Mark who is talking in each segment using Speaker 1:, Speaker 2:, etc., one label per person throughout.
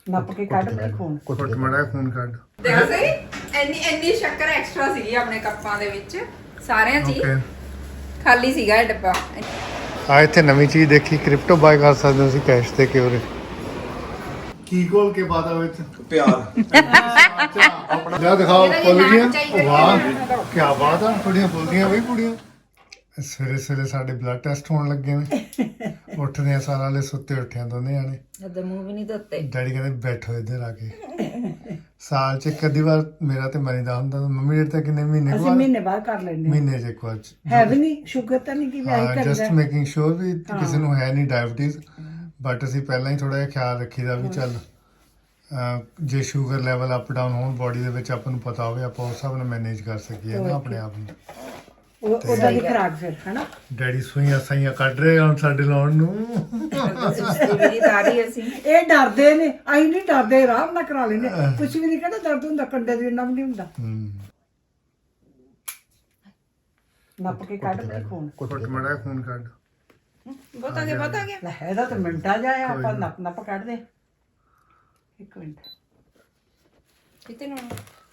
Speaker 1: ਨੱਪ ਕੇ ਕੱਢ ਬਈ ਖੂਨ
Speaker 2: ਕੁੱਟ ਮੜਾ ਖੂਨ ਕੱਢ
Speaker 3: ਦੇਖੋ ਸਹੀ ਇੰਨੀ ਸ਼ੱਕਰ ਐਕਸਟਰਾ ਸੀਗੀ ਆਪਣੇ ਕੱਪਾਂ ਦੇ ਵਿੱਚ ਸਾਰਿਆਂ 'ਚ ਹੀ ਖਾਲੀ ਸੀਗਾ ਇਹ ਡੱਬਾ
Speaker 2: ਆ ਇੱਥੇ ਨਵੀਂ ਚੀਜ਼ ਦੇਖੀ ਕ੍ਰਿਪਟੋ ਬਾਏ ਕਰ ਸਕਦੇ ਹੋ ਤੁਸੀਂ ਕੈਸ਼ ਤੇ ਕਿਉਰੇ ਕੀ ਕੋਲ ਕੇ ਬਾਦਾ ਵਿੱਚ
Speaker 4: ਪਿਆਰ
Speaker 2: ਲੈ ਦਿਖਾਓ ਫੁੱਲੀਆਂ ਵਾਹ ਕੀ ਬਾਤ ਆ ਕੁੜੀਆਂ ਫੁੱਲਦੀਆਂ ਬਈ ਕੁੜੀਆਂ ਸਵੇਰੇ ਸਵੇਰੇ ਸਾਡੇ ਬਲੱਡ ਟੈਸਟ ਹੋਣ ਲੱਗੇ ਨੇ ਉੱਠਦੇ ਆ ਸਾਰਾ ਲੈ ਸੁੱਤੇ ਉੱਠਿਆ ਦੋਨੇ ਆਣੇ
Speaker 3: ਅੱਧਾ ਮੂੰਹ ਵੀ ਨਹੀਂ ਧੋਤੇ
Speaker 2: ਡੈਡੀ ਕਹਿੰਦੇ ਬੈਠੋ ਇੱਧਰ ਆ ਕੇ ਸਾਲ ਚ ਇੱਕ ਅੱਧੀ ਵਾਰ ਮੇਰਾ ਤੇ ਮਰੀਦਾ ਹੁੰਦਾ ਮੰਮੀ ਡੈਡੀ ਤਾਂ ਕਿੰਨੇ ਮਹੀਨੇ
Speaker 1: ਅਸੀਂ ਮਹੀਨੇ ਬਾਅਦ ਕਰ ਲੈਂਦੇ
Speaker 2: ਮਹੀਨੇ ਚ ਇੱਕ ਵਾਰ
Speaker 1: ਹੈ ਵੀ ਨਹੀਂ ਸ਼ੂਗਰ ਤਾਂ ਨਹੀਂ ਕਿ ਵੈਸੇ
Speaker 2: ਹਾਂ
Speaker 1: ਕਰਦਾ
Speaker 2: ਜਸਟ ਮੇਕਿੰਗ ਸ਼ੋਰ ਵੀ ਕਿਸੇ ਨੂੰ ਹੈ ਨਹੀਂ ਡਾਇਬੀਟੀਜ਼ ਬਟ ਅਸੀਂ ਪਹਿਲਾਂ ਹੀ ਥੋੜਾ ਜਿਹਾ ਖਿਆਲ ਰੱਖੀਦਾ ਵੀ ਚੱਲ ਜੇ ਸ਼ੂਗਰ ਲੈਵਲ ਅਪ ਡਾਊਨ ਹੋਣ ਬਾਡੀ ਦੇ ਵਿੱਚ ਆਪਾਂ ਨੂੰ ਪਤਾ ਹੋਵੇ ਆਪਾਂ ਉਸ ਹਿਸਾਬ ਨਾਲ ਮੈਨੇਜ ਕਰ ਸਕੀਏ ਨਾ ਆਪਣੇ ਆਪ ਨੂੰ
Speaker 1: ਉਹਦਾ ਦੀ ਖਰਾਕ ਫਿਰ ਹਨਾ
Speaker 2: ਡੈਡੀ ਸੂਈਆਂ ਸਾਈਆਂ ਕੱਢ ਰਹੇ ਹੁਣ ਸਾਡੇ ਲਾਉਣ ਨੂੰ
Speaker 3: ਸੁਸਤੀ ਵੀ ਨਹੀਂ ਤਾਰੀ ਅਸੀਂ
Speaker 1: ਇਹ ਡਰਦੇ ਨੇ ਅਸੀਂ ਨਹੀਂ ਡਰਦੇ ਆਰਾਮ ਨਾਲ ਕਰਾ ਲੈਂਦੇ ਕੁਝ ਵੀ ਨਹੀਂ ਕਹਿੰਦਾ ਦਰਦ ਹੁੰਦਾ ਕੰਡੇ ਦੇ ਇੰਨਾ ਵੀ ਨਹੀਂ ਹੁੰਦਾ ਨੱਪ ਕੇ ਕੱਢ ਬਈ ਖੂਨ
Speaker 2: ਕੁੱਟ ਮੜਾ ਖੂਨ ਕੱਢ
Speaker 3: ਬਹੁਤ ਆ ਗਿਆ
Speaker 1: ਲੈ ਇਹਦਾ ਤਾਂ ਮਿੰਟਾਂ ਜਾਇਆ ਆਪਾਂ ਨੱਪ ਕੱਢ ਦੇ ਇੱਕ ਮਿੰਟ
Speaker 3: ਕਿਤੇ ਨੂੰ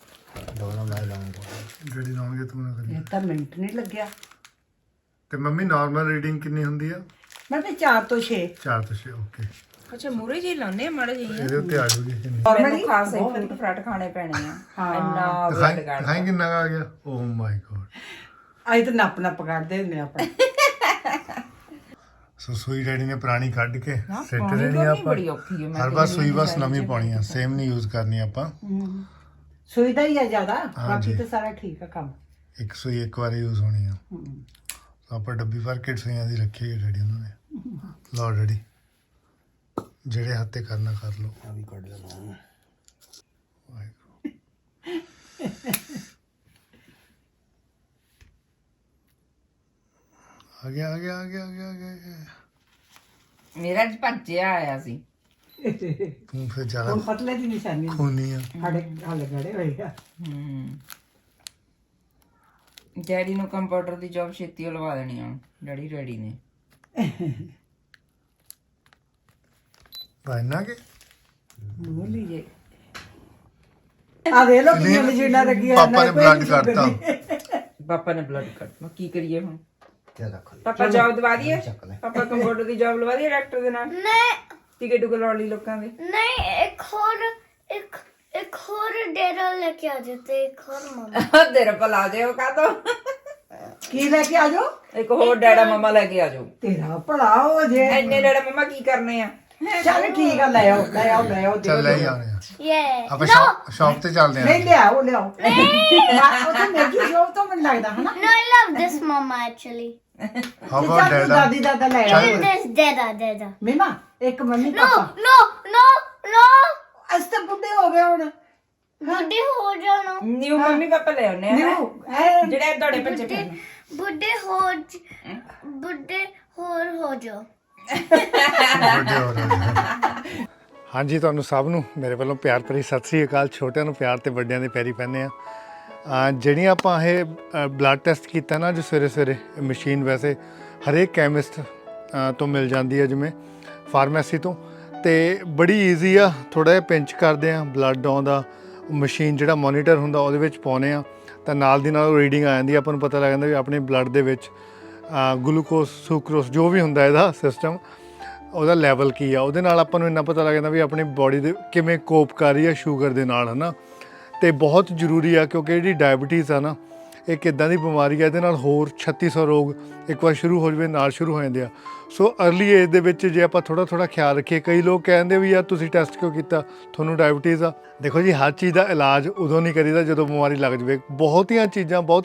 Speaker 2: ਜਿਹੜੀ ਲਾਉਣਗੇ ਤੂੰ ਨਾ ਕਰੀ
Speaker 1: ਇਹ ਤਾਂ ਮਿੰਟ ਨਹੀਂ ਲੱਗਿਆ
Speaker 2: ਤੇ ਮੰਮੀ ਨਾਰਮਲ ਰੀਡਿੰਗ ਕਿੰਨੀ ਹੁੰਦੀ ਆ
Speaker 1: ਮੈਂ ਤੇ 4 ਤੋਂ 6
Speaker 2: 4 ਤੋਂ 6 ਓਕੇ
Speaker 3: ਅੱਛਾ ਮੂਰੇ ਜੀ ਲਾਉਨੇ ਆ ਮਾੜੇ ਜੀ
Speaker 2: ਇਹਦੇ ਉੱਤੇ ਆ ਜੂਗੀ ਕਿੰਨੀ
Speaker 3: ਮੈਨੂੰ ਖਾਸ ਹੀ ਫਰੂਟ ਫਰਾਟ ਖਾਣੇ ਪੈਣੇ ਆ ਇੰਨਾ ਵੇਟ ਕਰ
Speaker 2: ਦਿਖਾਈ ਕਿੰਨਾ ਕੁ ਆ ਗਿਆ ਓ ਮਾਈ ਗॉड
Speaker 1: ਅਸੀਂ ਤਾਂ ਨੱਪ ਕੱਢਦੇ ਹੁੰਦੇ ਆਪਾਂ
Speaker 2: ਸੋ ਸੂਈ ਡੈਡੀ ਨੇ ਪੁਰਾਣੀ ਕੱਢ ਕੇ ਸਿੱਟ
Speaker 3: ਪੁਰਾਣੀ
Speaker 2: ਦੇਣੀ
Speaker 3: ਤਾਂ
Speaker 2: ਆ
Speaker 3: ਨਹੀਂ
Speaker 2: ਆਪਾਂ
Speaker 3: ਬੜੀ ਔਖੀ ਹੈ, ਮੈਂ
Speaker 2: ਹਰ ਵਾਰ ਸੂਈ ਬਸ ਨਵੀਂ ਪਾਉਣੀ ਆ ਸੇਮ ਨਹੀਂ ਯੂਜ਼ ਕਰਨੀ ਆਪਾਂ
Speaker 1: ਸੂਈ ਦਾ ਹੀ ਆ ਜ਼ਿਆਦਾ ਬਾਕੀ ਤਾਂ ਸਾਰਾ ਠੀਕ ਆ ਕੰਮ
Speaker 2: ਇੱਕ ਸੂਈ ਇੱਕ ਵਾਰ ਯੂਜ਼ ਹੋਣੀ ਆ ਸੋ ਆਪਾਂ ਡੱਬੀ ਭਰ ਕੇ ਸੂਈਆਂ ਦੀ ਰੱਖੀ ਹੈ ਡੈਡੀ ਉਹਨਾਂ ਨੇ ਲਓ ਡੈਡੀ ਜਿਹੜੇ ਹੱਥੇ ਕਰਨਾ ਕਰ ਲਓ
Speaker 4: ਆ ਵੀ ਕੱਢ ਲੈਣਾ
Speaker 2: ਆ ਗਿਆ ਆ ਗਿਆ ਆ ਗਿਆ ਆ ਗਿਆ ਆ ਗਿਆ
Speaker 3: ਮੇਰਾ ਅੱਜ ਭੱਜਿਆ ਆਇਆ ਸੀ
Speaker 2: ਤੂੰ ਫਿਰ ਜ਼ਿਆਦਾ
Speaker 1: ਹੁਣ ਪਤਲੇ ਦੀ ਨਿਸ਼ਾਨੀ
Speaker 2: ਖੂਨੀ ਆ
Speaker 1: ਸਾਡੇ ਹੱਲ ਗੜੇ ਹੋਏ ਆ
Speaker 3: ਡੈਡੀ ਨੂੰ ਕੰਪਿਊਟਰ ਦੀ ਜੌਬ ਛੇਤੀ ਲਵਾ ਦੇਣੀ ਆ ਡੈਡੀ ਨੇ
Speaker 2: ਪਾਇਨਾ ਕੇ
Speaker 3: ਬੋਲੀ ਜੇ
Speaker 1: ਆ ਵੇ ਲੋ ਕਿੰਨੀਆਂ ਮਸ਼ੀਨਾਂ ਲੱਗੀਆਂ
Speaker 2: ਪਾਪਾ ਨੇ ਬਲੱਡ ਕੱਢਤਾ
Speaker 3: ਪਾਪਾ ਨੇ ਬਲੱਡ ਕੱਟ ਕੀ ਕਰੀਏ ਹੁਣ
Speaker 4: ਤੇ ਰੱਖ ਲੈ
Speaker 3: ਪਾਪਾ ਜੌਬ ਦਵਾ ਦਈਏ ਪਾਪਾ ਕੰਪਿਊਟਰ ਦੀ ਜੌਬ ਲਵਾ ਦਈਏ ਡਾਕਟਰ ਦੇ ਨਾਲ
Speaker 5: ਨਹੀਂ
Speaker 3: ਟਿਕਟ ਲਾਉਣ ਲਈ ਲੋਕਾਂ ਦੇ
Speaker 5: ਨਹੀਂ ਇੱਕ ਹੋਰ ਡੇਰਾ ਲੈ ਕੇ ਆ ਜਾਤੇ ਇੱਕ ਹੋਰ ਮਮਾ
Speaker 3: ਤੇਰੇ ਭਲਾ ਜਾਓ ਕਾ ਤੋ
Speaker 1: ਕੀ ਲੈ ਕੇ ਆ ਜਾਓ
Speaker 3: ਇੱਕ ਹੋਰ ਡੈਡਾ ਮਮਾ ਲੈ ਕੇ ਆ ਜਾਓ
Speaker 1: ਤੇਰਾ ਭਲਾ ਹੋ ਜੇ
Speaker 3: ਐਨੇ ਡੈਡਾ ਮਮਾ ਕੀ ਕਰਨੇ ਆ
Speaker 1: ਚੱਲ ਠੀਕ ਆ ਲੈ ਆਓ
Speaker 2: ਚੱਲ ਲੈ ਹੀ ਆਉਣੇ ਆ
Speaker 5: ਯੇ
Speaker 2: ਆਪਾਂ ਸ਼ਾਪ ਤੇ ਚੱਲਦੇ
Speaker 1: ਨਹੀਂ
Speaker 2: ਆ
Speaker 1: ਲਿਆਓ ਉਹ ਤਾਂ ਮੇਰੀ ਸ਼ੋਪ ਤੋਂ ਮੈਨੂੰ ਲੱਗਦਾ ਹਨਾ
Speaker 5: No, I love this mama actually.
Speaker 2: How about
Speaker 1: ਚੱਲ ਤੂੰ
Speaker 2: ਡੈਡਾ
Speaker 1: ਦਾਦੀ ਦਾਦਾ ਲੈ ਆਓ
Speaker 5: This dada.
Speaker 1: ਮੀਮਾ ਇੱਕ ਮੰਮੀ
Speaker 5: No,
Speaker 1: ਪਾਪਾ
Speaker 5: no.
Speaker 1: ਅਸ ਤਾਂ ਬੁੱਢੇ ਹੋ ਗਏ ਹੁਣ
Speaker 5: ਬੁੱਢੇ ਹੋ ਜਾਣਾ
Speaker 3: ਨਿਊ ਮੰਮੀ ਪਾਪਾ ਲੈ ਆਉਨੇ ਆ ਜਿਹੜੇ ਤੁਹਾਡੇ ਬੱਚੇ ਫਿਰ
Speaker 5: ਬੁੱਢੇ ਹੋਰ ਹੋ ਜਾਓ
Speaker 2: ਹਾਂਜੀ ਤੁਹਾਨੂੰ ਸਭ ਨੂੰ ਮੇਰੇ ਵੱਲੋਂ ਪਿਆਰ ਭਰੀ ਸਤਿ ਸ੍ਰੀ ਅਕਾਲ ਛੋਟਿਆਂ ਨੂੰ ਪਿਆਰ ਤੇ ਵੱਡਿਆਂ ਦੇ ਪੈਰੀ ਪੈਂਦੇ ਆ ਜਿਹੜੀਆਂ ਆਪਾਂ ਇਹ ਬਲੱਡ ਟੈਸਟ ਕੀਤਾ ਨਾ ਜੋ ਸਵੇਰੇ ਸਵੇਰੇ ਮਸ਼ੀਨ ਵੈਸੇ ਹਰੇਕ ਕੈਮਿਸਟ ਤੋਂ ਮਿਲ ਜਾਂਦੀ ਹੈ ਜਿਵੇਂ ਫਾਰਮੇਸੀ ਤੋਂ ਤੇ ਬੜੀ ਈਜ਼ੀ ਆ ਥੋੜਾ ਜਿਹਾ ਪਿੰਚ ਕਰਦੇ ਆ ਬਲੱਡ ਆਉਂਦਾ ਮਸ਼ੀਨ ਜਿਹੜਾ ਮੋਨੀਟਰ ਹੁੰਦਾ ਉਹਦੇ ਵਿੱਚ ਪਾਉਂਦੇ ਆ ਤਾਂ ਨਾਲ ਦੀ ਨਾਲ ਰੀਡਿੰਗ ਆ ਜਾਂਦੀ ਆਪਾਂ ਨੂੰ ਪਤਾ ਲੱਗ ਜਾਂਦਾ ਵੀ ਆਪਣੇ ਬਲੱਡ ਦੇ ਵਿੱਚ ਗਲੂਕੋਸ ਸੁਕਰੋਸ ਜੋ ਵੀ ਹੁੰਦਾ ਇਹਦਾ ਸਿਸਟਮ ਉਹਦਾ ਲੈਵਲ ਕੀ ਆ ਉਹਦੇ ਨਾਲ ਆਪਾਂ ਨੂੰ ਇੰਨਾ ਪਤਾ ਲੱਗ ਜਾਂਦਾ ਵੀ ਆਪਣੀ ਬਾਡੀ ਦੇ ਕਿਵੇਂ ਕੋਪ ਕਰ ਰਹੀ ਆ ਸ਼ੂਗਰ ਦੇ ਨਾਲ ਹੈ ਨਾ ਅਤੇ ਬਹੁਤ ਜ਼ਰੂਰੀ ਆ ਕਿਉਂਕਿ ਜਿਹੜੀ ਡਾਇਬਟੀਜ਼ ਆ ਨਾ ਇਹ ਕਿੱਦਾਂ ਦੀ ਬਿਮਾਰੀ ਆ ਇਹਦੇ ਨਾਲ ਹੋਰ 3600 ਰੋਗ ਇੱਕ ਵਾਰ ਸ਼ੁਰੂ ਹੋ ਜਾਵੇ ਨਾਲ ਸ਼ੁਰੂ ਹੋ ਜਾਂਦੇ ਆ ਸੋ ਅਰਲੀ ਏਜ ਦੇ ਵਿੱਚ ਜੇ ਆਪਾਂ ਥੋੜ੍ਹਾ ਖਿਆਲ ਰੱਖੀਏ ਕਈ ਲੋਕ ਕਹਿੰਦੇ ਵੀ ਯਾਰ ਤੁਸੀਂ ਟੈਸਟ ਕਿਉਂ ਕੀਤਾ ਤੁਹਾਨੂੰ ਡਾਇਬਟੀਜ਼ ਆ ਦੇਖੋ ਜੀ ਹਰ ਚੀਜ਼ ਦਾ ਇਲਾਜ ਉਦੋਂ ਨਹੀਂ ਕਰੀਦਾ ਜਦੋਂ ਬਿਮਾਰੀ ਲੱਗ ਜਾਵੇ ਬਹੁਤੀਆਂ ਕੀ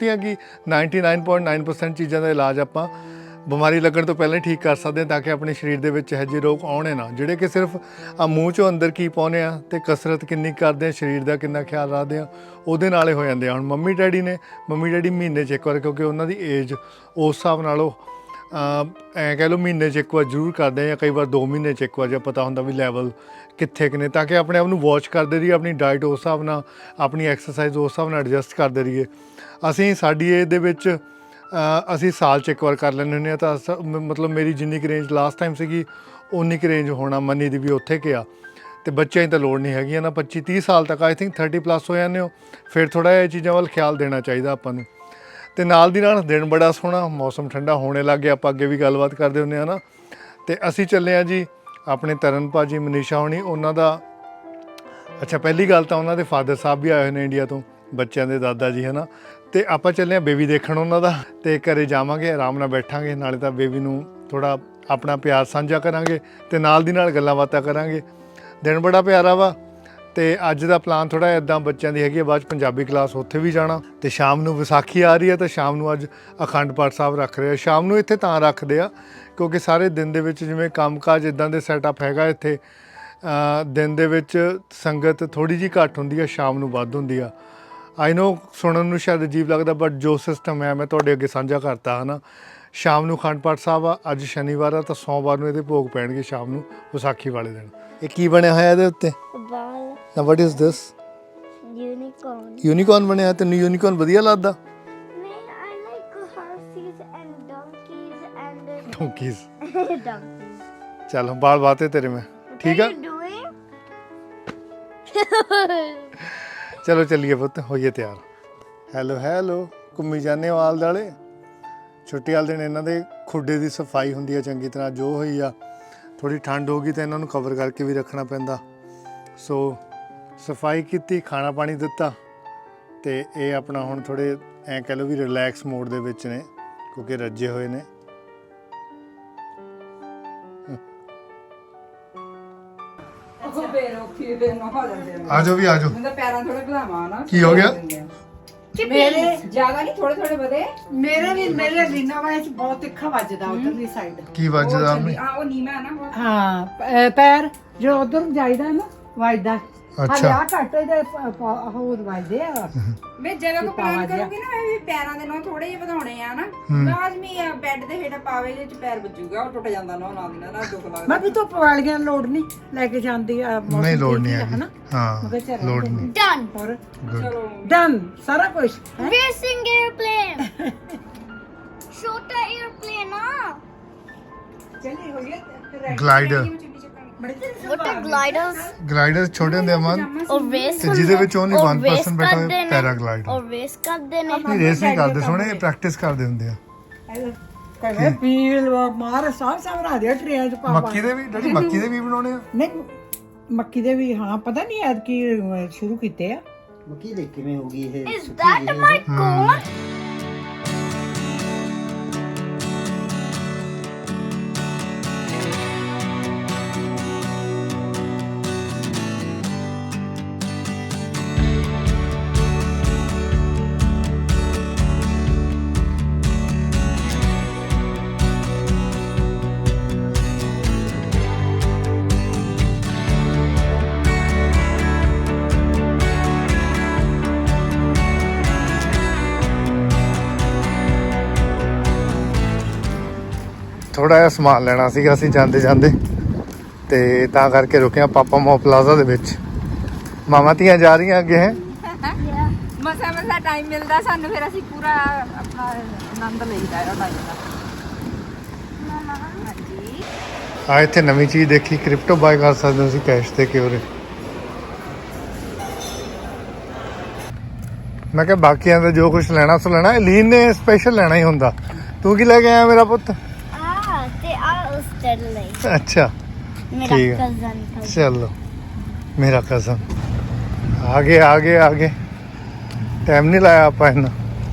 Speaker 2: 99.9% ਚੀਜ਼ਾਂ ਦਾ ਇਲਾਜ ਆਪਾਂ ਬਿਮਾਰੀ ਲੱਗਣ ਤੋਂ ਪਹਿਲਾਂ ਹੀ ਠੀਕ ਕਰ ਸਕਦੇ ਹਾਂ ਤਾਂ ਕਿ ਆਪਣੇ ਸਰੀਰ ਦੇ ਵਿੱਚ ਇਹੋ ਜਿਹੇ ਰੋਗ ਆਉਣੇ ਨਾ ਜਿਹੜੇ ਕਿ ਸਿਰਫ ਮੂੰਹ 'ਚੋਂ ਅੰਦਰ ਕੀ ਪਾਉਂਦੇ ਆ ਅਤੇ ਕਸਰਤ ਕਿੰਨੀ ਕਰਦੇ ਆ ਸਰੀਰ ਦਾ ਕਿੰਨਾ ਖਿਆਲ ਰੱਖਦੇ ਆ ਉਹਦੇ ਨਾਲ ਹੀ ਹੋ ਜਾਂਦੇ ਆ ਹੁਣ ਮੰਮੀ ਡੈਡੀ ਮਹੀਨੇ 'ਚ ਇੱਕ ਵਾਰ ਕਿਉਂਕਿ ਉਹਨਾਂ ਦੀ ਏਜ ਉਸ ਹਿਸਾਬ ਨਾਲ ਉਹ ਐਂ ਕਹਿ ਲਓ ਮਹੀਨੇ 'ਚ ਇੱਕ ਵਾਰ ਜ਼ਰੂਰ ਕਰਦੇ ਆ ਜਾਂ ਕਈ ਵਾਰ 2 ਮਹੀਨੇ 'ਚ ਇੱਕ ਵਾਰ ਜੇ ਪਤਾ ਹੁੰਦਾ ਵੀ ਲੈਵਲ ਕਿੱਥੇ ਕੁ ਨੇ ਤਾਂ ਕਿ ਆਪਣੇ ਆਪ ਨੂੰ ਵਾਚ ਕਰਦੇ ਰਹੀਏ ਆਪਣੀ ਡਾਈਟ ਉਸ ਹਿਸਾਬ ਨਾਲ ਆਪਣੀ ਐਕਸਰਸਾਈਜ਼ ਉਸ ਹਿਸਾਬ ਨਾਲ ਐਡਜਸਟ ਕਰਦੇ ਰਹੀਏ ਅਸੀਂ ਸਾਡੀ ਏਜ ਦੇ ਵਿੱਚ ਅਸੀਂ ਸਾਲ 'ਚ ਇੱਕ ਵਾਰ ਕਰ ਲੈਂਦੇ ਹੁੰਦੇ ਹਾਂ ਤਾਂ ਮਤਲਬ ਮੇਰੀ ਜਿੰਨੀ ਕੁ ਰੇਂਜ ਲਾਸਟ ਟਾਈਮ ਸੀਗੀ ਉਨੀ ਕੁ ਰੇਂਜ ਹੋਣਾ ਮੰਨੀ ਦੀ ਵੀ ਉੱਥੇ ਗਿਆ ਤੇ ਬੱਚਿਆਂ ਦੀ ਤਾਂ ਲੋੜ ਨਹੀਂ ਹੈਗੀ ਨਾ 25-30 ਸਾਲ ਤੱਕ ਆਈ ਥਿੰਕ 30 ਪਲੱਸ ਹੋ ਜਾਂਦੇ ਹੋ ਫਿਰ ਥੋੜ੍ਹਾ ਜਿਹਾ ਇਹ ਚੀਜ਼ਾਂ ਵੱਲ ਖਿਆਲ ਦੇਣਾ ਚਾਹੀਦਾ ਆਪਾਂ ਨੂੰ। ਤੇ ਨਾਲ ਦੀ ਨਾਲ ਦਿਨ ਬੜਾ ਸੋਹਣਾ, ਮੌਸਮ ਠੰਡਾ ਹੋਣੇ ਲੱਗ ਗਿਆ, ਆਪਾਂ ਅੱਗੇ ਵੀ ਗੱਲਬਾਤ ਕਰਦੇ ਹੁੰਦੇ ਹਾਂ ਨਾ। ਤੇ ਅਸੀਂ ਚੱਲੇ ਹਾਂ ਜੀ ਆਪਣੇ ਤਰਨ ਭਾਜੀ, ਮਨੀਸ਼ਾ ਹੋਣੀ, ਉਹਨਾਂ ਦਾ ਅੱਛਾ ਪਹਿਲੀ ਗੱਲ ਤਾਂ ਉਹਨਾਂ ਦੇ ਫਾਦਰ ਸਾਹਿਬ ਵੀ ਆਏ ਹੋਏ ਨੇ ਇੰਡੀਆ ਤੋਂ, ਬੱਚਿਆਂ ਦੇ ਦਾਦਾ ਜੀ ਹੈ ਨਾ। ਤੇ ਆਪਾਂ ਚੱਲੇ ਹਾਂ ਬੇਬੀ ਦੇਖਣ ਉਹਨਾਂ ਦਾ, ਤੇ ਘਰੇ ਜਾਵਾਂਗੇ, ਆਰਾਮ ਨਾਲ ਬੈਠਾਂਗੇ, ਨਾਲੇ ਤਾਂ ਬੇਬੀ ਨੂੰ ਥੋੜ੍ਹਾ ਆਪਣਾ ਪਿਆਰ ਸਾਂਝਾ ਕਰਾਂਗੇ ਤੇ ਨਾਲ ਦੀ ਨਾਲ ਗੱਲਾਂ ਬਾਤਾਂ ਕਰਾਂਗੇ। ਦਿਨ ਬੜਾ ਪਿਆਰਾ ਵਾ। ਤੇ ਅੱਜ ਦਾ ਪਲਾਨ ਥੋੜ੍ਹਾ ਇੱਦਾਂ ਬੱਚਿਆਂ ਦੀ ਹੈਗੀ ਹੈ, ਬਾਅਦ 'ਚ ਪੰਜਾਬੀ ਕਲਾਸ ਉੱਥੇ ਵੀ ਜਾਣਾ, ਤੇ ਸ਼ਾਮ ਨੂੰ ਵਿਸਾਖੀ ਆ ਰਹੀ ਹੈ ਤਾਂ ਸ਼ਾਮ ਨੂੰ ਅੱਜ ਅਖੰਡ ਪਾਠ ਸਾਹਿਬ ਰੱਖ ਰਹੇ ਆ। ਸ਼ਾਮ ਨੂੰ ਇੱਥੇ ਤਾਂ ਰੱਖਦੇ ਆ ਕਿਉਂਕਿ ਸਾਰੇ ਦਿਨ ਦੇ ਵਿੱਚ ਜਿਵੇਂ ਕੰਮਕਾਜ ਇੱਦਾਂ ਦੇ ਸੈਟਅਪ ਹੈਗਾ ਇੱਥੇ, ਦਿਨ ਦੇ ਵਿੱਚ ਸੰਗਤ ਥੋੜ੍ਹੀ ਜਿਹੀ ਘੱਟ ਹੁੰਦੀ ਆ, ਸ਼ਾਮ ਨੂੰ ਵੱਧ ਹੁੰਦੀ ਆ। ਆਈ ਨੋ ਸੁਣਨ ਨੂੰ ਸ਼ਾਇਦ ਅਜੀਬ ਲੱਗਦਾ, ਬਟ ਜੋ ਸਿਸਟਮ ਹੈ ਮੈਂ ਤੁਹਾਡੇ ਅੱਗੇ ਸਾਂਝਾ ਕਰਤਾ ਹੈ ਨਾ। ਸ਼ਾਮ ਨੂੰ ਅਖੰਡ ਪਾਠ ਸਾਹਿਬ ਆ, ਅੱਜ ਸ਼ਨੀਵਾਰ ਆ ਤਾਂ ਸੋਮਵਾਰ ਨੂੰ ਇਹਦੇ ਭੋਗ ਪੈਣਗੇ ਸ਼ਾਮ ਨੂੰ ਵਿਸਾਖੀ ਵਾਲੇ ਦਿਨ। ਇਹ ਕੀ ਬਣਿਆ ਹੋਇਆ ਇਹਦੇ ਉੱਤੇ?
Speaker 5: ਬਾਲ
Speaker 2: ਨਾ what is this?
Speaker 5: Unicorn.
Speaker 2: Unicorn ਬਣਿਆ। ਤੈਨੂੰ ਯੂਨੀਕੋਰਨ ਵਧੀਆ ਲੱਗਦਾ?
Speaker 5: ਨਹੀਂ, I like horses and donkeys and
Speaker 2: ਡੋਂਕੀਜ਼।
Speaker 5: donkeys.
Speaker 2: ਚੱਲ ਬਾਲ ਬਾਤੇ ਤੇਰੇ ਮੈਂ, ਠੀਕ ਆ?
Speaker 5: What are you doing?
Speaker 2: ਚਲੋ ਚੱਲੀਏ ਪੁੱਤ, ਹੋਈਏ ਤਿਆਰ। ਹੈਲੋ ਹੈਲੋ, ਘੁੰਮੀ ਜਾਂਦੇ ਹੋ ਆਲ ਦੁਆਲੇ। ਛੁੱਟੀ ਵਾਲੇ ਦਿਨ ਇਹਨਾਂ ਦੇ ਖੁੱਡੇ ਦੀ ਸਫਾਈ ਹੁੰਦੀ ਆ ਚੰਗੀ ਤਰ੍ਹਾਂ, ਜੋ ਹੋਈ ਆ। ਥੋੜ੍ਹੀ ਠੰਡ ਹੋ ਗਈ ਤਾਂ ਇਹਨਾਂ ਨੂੰ ਕਵਰ ਕਰਕੇ ਵੀ ਰੱਖਣਾ ਪੈਂਦਾ, ਸੋ ਸਫਾਈ ਕੀਤੀ, ਖਾਣਾ ਪਾਣੀ ਦਿੱਤਾ, ਤੇ ਇਹ ਆਪਣਾ ਹੁਣ ਥੋੜ੍ਹੇ ਐਂ ਕਹਿ ਲਓ ਵੀ ਰਿਲੈਕਸ ਮੋਡ ਦੇ ਵਿੱਚ ਨੇ ਕਿਉਂਕਿ ਰੱਜੇ ਹੋਏ ਨੇ। ਆ ਜਾਓ ਵੀ ਆ ਜਾਓ।
Speaker 3: ਮੈਂ ਪੈਰਾਂ ਥੋੜੇ ਵਧਾਵਾਂ ਨਾ।
Speaker 2: ਕੀ ਹੋ ਗਿਆ?
Speaker 1: ਮੇਰੇ
Speaker 3: ਜ਼ਿਆਦਾ ਨਹੀਂ, ਥੋੜੇ ਥੋੜੇ ਵਧੇ।
Speaker 1: ਮੇਰੇ ਰੀਨਾ ਵਾਲੇ ਚ ਬਹੁਤ ਤਿੱਖਾ ਵੱਜਦਾ ਉਧਰਲੀ ਸਾਈਡ।
Speaker 2: ਕੀ ਵੱਜਦਾ?
Speaker 3: ਉਹ ਨੀਮਾ ਹੈ ਨਾ ਬਹੁਤ।
Speaker 1: ਹਾਂ ਪੈਰ ਜੋ ਉਧਰ ਜਾਈਦਾ ਨਾ ਵੱਜਦਾ।
Speaker 2: ਅੱਛਾ।
Speaker 1: ਆ ਘੱਟ ਇਹਦੇ ਹੋਰ ਵੱਜਦੇ ਆ।
Speaker 3: ਮੈਂ ਜਦੋਂ ਕੋ ਪਲਾਨ ਕਰੂੰਗੀ ਨਾ, ਮੈਂ ਵੀ ਪੈਰਾਂ ਦੇ ਨੋਹ ਥੋੜੇ ਜਿਹੇ ਵਧਾਉਣੇ ਆ ਨਾ, ਲਾਜ਼ਮੀ ਆ ਬੈੱਡ ਦੇ ਹੇਠ ਪਾਵੇ ਜੇ ਚ ਪੈਰ ਵੱਜੂਗਾ, ਉਹ ਟੁੱਟ ਜਾਂਦਾ ਨਾ ਨਾਲ ਦੀ ਨਾਲ ਦੁੱਖ ਲੱਗਦਾ।
Speaker 1: ਮੈਂ ਵੀ ਧੁੱਪ ਵਾਲੀਆਂ ਲੋੜ ਨਹੀਂ ਲੈ ਕੇ ਜਾਂਦੀ ਆ।
Speaker 2: ਨਹੀਂ ਲੋੜ ਨਹੀਂ ਹੈਗੀ, ਹਾਂ ਲੋੜ ਨਹੀਂ।
Speaker 5: Done.
Speaker 1: ਹੋਰ
Speaker 3: ਚਲੋ
Speaker 1: ਡਨ ਸਾਰਾ ਕੁਝ।
Speaker 5: Racing airplane. Shorter airplane, ah.
Speaker 1: ਚਲੀ ਹੋਈ ਹੈ
Speaker 2: glider.
Speaker 5: What are gliders?
Speaker 2: Glider ਛੋਟੇ ਹੁੰਦੇ ਅਮਨ,
Speaker 5: Or race?
Speaker 2: ਤੇ ਜਿਹਦੇ ਵਿੱਚ only 1% ਬੈਠਾ ਹੋਇਆ, ਪੈਰਾਗਲਾਈਡਰ।
Speaker 5: Or race ਕਰਦੇ ਨੇ।
Speaker 2: ਨਹੀਂ ਰੇਸ ਨਹੀਂ ਕਰਦੇ, ਸੋਹਣੇ ਪ੍ਰੈਕਟਿਸ ਕਰਦੇ ਹੁੰਦੇ ਆ।
Speaker 1: ਕਹਿੰਦੇ ਪੀਲ ਮਾਰ ਸਾਹ ਰਾ ਦੇ ਟ੍ਰੇਨ ਚ ਪਾ
Speaker 2: ਮੱਕੀ ਦੇ ਵੀ ਡੈਡੀ, ਮੱਕੀ ਦੇ ਵੀ ਬਣਾਉਣੇ ਆ?
Speaker 1: ਨਹੀਂ ਮੱਕੀ ਦੇ ਵੀ ਹਾਂ, ਪਤਾ ਨਹੀਂ ਐਦ ਕੀ ਸ਼ੁਰੂ ਕੀਤੇ ਆ।
Speaker 4: ਮੱਕੀ ਦੇ ਕਿਵੇਂ ਹੋ ਗਈ ਇਹ?
Speaker 5: Is that my corn?
Speaker 2: ਥੋੜਾ ਜਿਹਾ ਸਮਾਨ ਲੈਣਾ ਸੀਗਾ ਅਸੀਂ ਜਾਂਦੇ ਜਾਂਦੇ, ਤੇ ਤਾਂ ਕਰਕੇ ਰੁਕੇ ਆ ਪਾਪਾ ਮੋ ਪਲਾਜ਼ਾ ਦੇ ਵਿੱਚ। ਮਾਮਾ ਧੀਆਂ ਜਾ ਰਹੀਆਂ ਅੱਗੇ ਹੈ।
Speaker 3: ਮਸਾ ਟਾਈਮ ਮਿਲਦਾ ਸਾਨੂੰ, ਫਿਰ ਅਸੀਂ ਪੂਰਾ ਆਪਣਾ ਆਨੰਦ ਲਈਦਾ ਹੈ ਟਾਈਮ ਦਾ। ਹਾਂਜੀ
Speaker 2: ਆ ਇੱਥੇ ਨਵੀਂ ਚੀਜ਼ ਦੇਖੀ, ਕ੍ਰਿਪਟੋ ਬਾਏ ਕਰ ਸਕਦੇ ਹੋ ਤੁਸੀਂ ਕੈਸ਼ ਤੇ ਕਿਉਰੇ। ਮੈਂ ਕਿਹਾ ਬਾਕੀਆਂ ਦਾ ਜੋ ਕੁਝ ਲੈਣਾ ਸੋ ਲੈਣਾ, ਲੀਨ ਨੇ ਸਪੈਸ਼ਲ ਲੈਣਾ ਹੀ ਹੁੰਦਾ। ਤੂੰ ਕੀ ਲੈ ਕੇ ਆਇਆ ਮੇਰਾ ਪੁੱਤ?
Speaker 5: ਤੇ ਆ ਉਸਤਰ ਲਈ।
Speaker 2: ਅੱਛਾ
Speaker 5: ਮੇਰਾ
Speaker 2: ਠੀਕ ਹੈ।
Speaker 5: ਕਜ਼ਨ।
Speaker 2: ਚਲੋ ਮੇਰਾ ਕਜ਼ਨ ਆਗੇ ਆਗੇ ਆਗੇ। ਟਾਈਮ ਨਹੀਂ ਲਾਇਆ ਆਪਾਂ ਇਹਨਾਂ,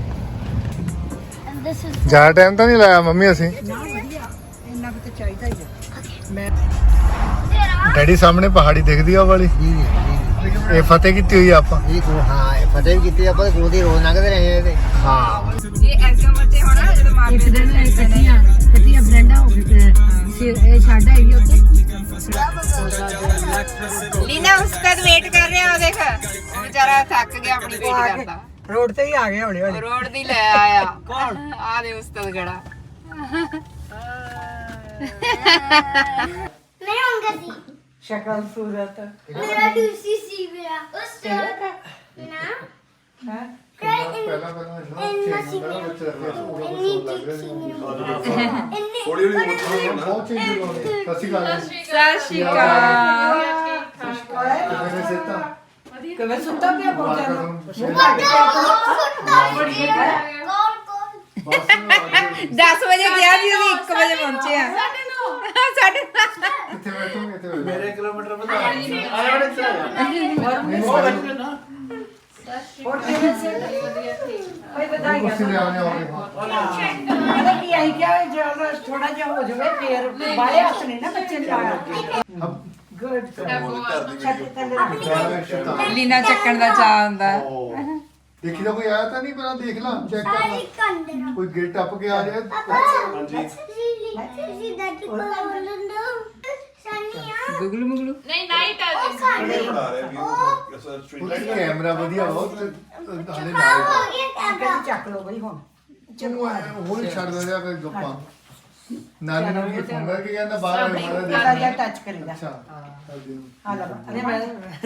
Speaker 5: And this is
Speaker 2: ਜ਼ਿਆਦਾ ਟਾਈਮ ਤਾਂ ਨਹੀਂ ਲਾਇਆ ਮੰਮੀ ਅਸੀਂ।
Speaker 1: ਇੰਨਾ ਵੀ ਤਾਂ ਚਾਹੀਦਾ ਹੀ ਹੈ। ਮੈਂ
Speaker 2: ਡੈਡੀ ਸਾਹਮਣੇ ਪਹਾੜੀ ਦਿਖਦੀ ਆ ਉਹ ਵਾਲੀ, ਇਹ ਫਤਿਹ ਕੀਤੀ ਹੋਈ ਆ ਆਪਾਂ।
Speaker 4: ਇਹ ਕੋ ਹਾਂ ਇਹ ਫਤਿਹ ਵੀ ਕੀਤੀ ਆਪਾਂ, ਕੋਲ ਦੀ ਰੋਜ਼ ਲੰਘਦੇ ਰਹੇ ਤੇ
Speaker 2: ਹਾਂ
Speaker 3: ਇਹ ਐਗਜ਼ਾਮ ਬੱਚੇ ਹੋਣਾ ਜਦੋਂ ਮਾਪੇ
Speaker 1: ਇੱਕ ਦਿਨ ਕੱਟੀਆਂ ਫਰੈਂਡਾਂ ਹੋ ਗਏ ਇਹ ਛੱਡ ਆਈ ਉੱਤੇ।
Speaker 3: ਲੀਨਾ ਉਸਤਾਦ ਵੇਟ ਕਰ ਰਿਹਾ, ਉਹ ਦੇਖ ਉਹ ਵਿਚਾਰਾ ਥੱਕ ਗਿਆ ਆਪਣੀ ਵੇਟ ਕਰਦਾ।
Speaker 1: ਰੋਡ ਤੇ ਹੀ ਆ ਗਏ ਹੌਲੀ ਹੌਲੀ।
Speaker 3: ਰੋਡ ਦੀ ਲੈ ਆਇਆ। ਕੌਣ? ਆ ਦੇ ਉਸਤਾਦ ਗੜਾ।
Speaker 5: ਮੈਂ ਆਉਂਗਾ ਸੀ।
Speaker 1: ਸ਼ਕਲ ਸੂਰਤ
Speaker 5: ਮੇਰਾ ਦੂਸੀ ਸੀ ਮੇਰਾ ਉਸਤਰ ਨਾ
Speaker 1: ਹੈ।
Speaker 5: ਇੰਨਾ ਸੀ ਮੇਰਾ ਇੰਨੀ ਦਿੱਖੀ
Speaker 2: ਥੋੜੀ ਜਿਹੀ ਬਹੁਤ ਚੇਂਜ ਹੋ ਗਈ। ਸਤਿ ਸ਼੍ਰੀ ਅਕਾਲ।
Speaker 3: ਸਤਿ ਸ਼੍ਰੀ ਅਕਾਲ।
Speaker 2: ਸਿੱਤਾ
Speaker 1: ਕਿਵੇਂ ਸੁੱਤਾ ਪਿਆ ਪਹੁੰਚਿਆ ਨੂੰ
Speaker 2: ਬਸ
Speaker 3: 10 ਵਜੇ ਗਿਆ ਸੀ ਅਸੀਂ 1 ਵਜੇ ਪਹੁੰਚੇ ਆ ਸਾਡੇ
Speaker 2: ਕਿੱਥੇ ਬੈਠੋਗੇ ਇੱਥੇ
Speaker 6: ਮੇਰੇ ਕਿਲੋਮੀਟਰ ਵਧਾ
Speaker 2: ਕੁਰਸੀ ਲੈ ਆਉਣੇ ਹੋਗੇ
Speaker 1: ਪਤਾ ਕੀ ਆਈ ਕਿਹਾ ਜਦੋਂ ਥੋੜਾ ਜਿਹਾ ਹੋ ਜਾਵੇ ਫੇਰ ਬਾਲੇ ਹੱਥ ਨਹੀਂ ਨਾ ਬੱਚੇ ਨੂੰ ਲਾਇਆ ਗੁੱਡ
Speaker 3: ਲੀਨਾ ਚੱਕਣ ਦਾ ਚਾਹ ਹੁੰਦਾ
Speaker 2: ਦੇਖੀ ਤਾਂ ਕੋਈ ਆਇਆ ਤਾਂ ਨਹੀਂ ਪਹਿਲਾਂ ਦੇਖ ਲਾ ਚੈੱਕ ਕਰ ਲਾ ਕੋਈ ਗੇਟ ਟੱਪ ਕੇ ਆ ਰਿਹਾ
Speaker 3: ਗੁਗਲੂ ਮੁਗਲੂ
Speaker 7: ਨਹੀਂ ਨਾਈਟ ਆ
Speaker 2: ਉਹਦਾ ਕੈਮਰਾ ਵਧੀਆ ਬਹੁਤ ਹਾਲੇ ਨਾਲ
Speaker 1: ਕਹਿੰਦੇ ਚੱਕ ਲਓ ਬਈ ਹੁਣ
Speaker 2: ਹੁਣ ਛੱਡ ਦੇ ਰਿਹਾ ਕੋਈ ਗੱਪਾਂ ਨਾਨੀ ਨੂੰ ਕੀ ਫੋਨ ਕਰਕੇ ਕਹਿੰਦਾ ਬਾਹਰ ਆ ਮਾਰਾ
Speaker 1: ਥੋੜਾ ਜਿਹਾ
Speaker 2: ਦੇਖ
Speaker 1: ਟੱਚ ਕਰੀਦਾ
Speaker 2: ਅੱਛਾ ਕਰਦੀ ਨੂੰ।
Speaker 1: ਆ ਲੈ ਅਰੇ ਮੈਂ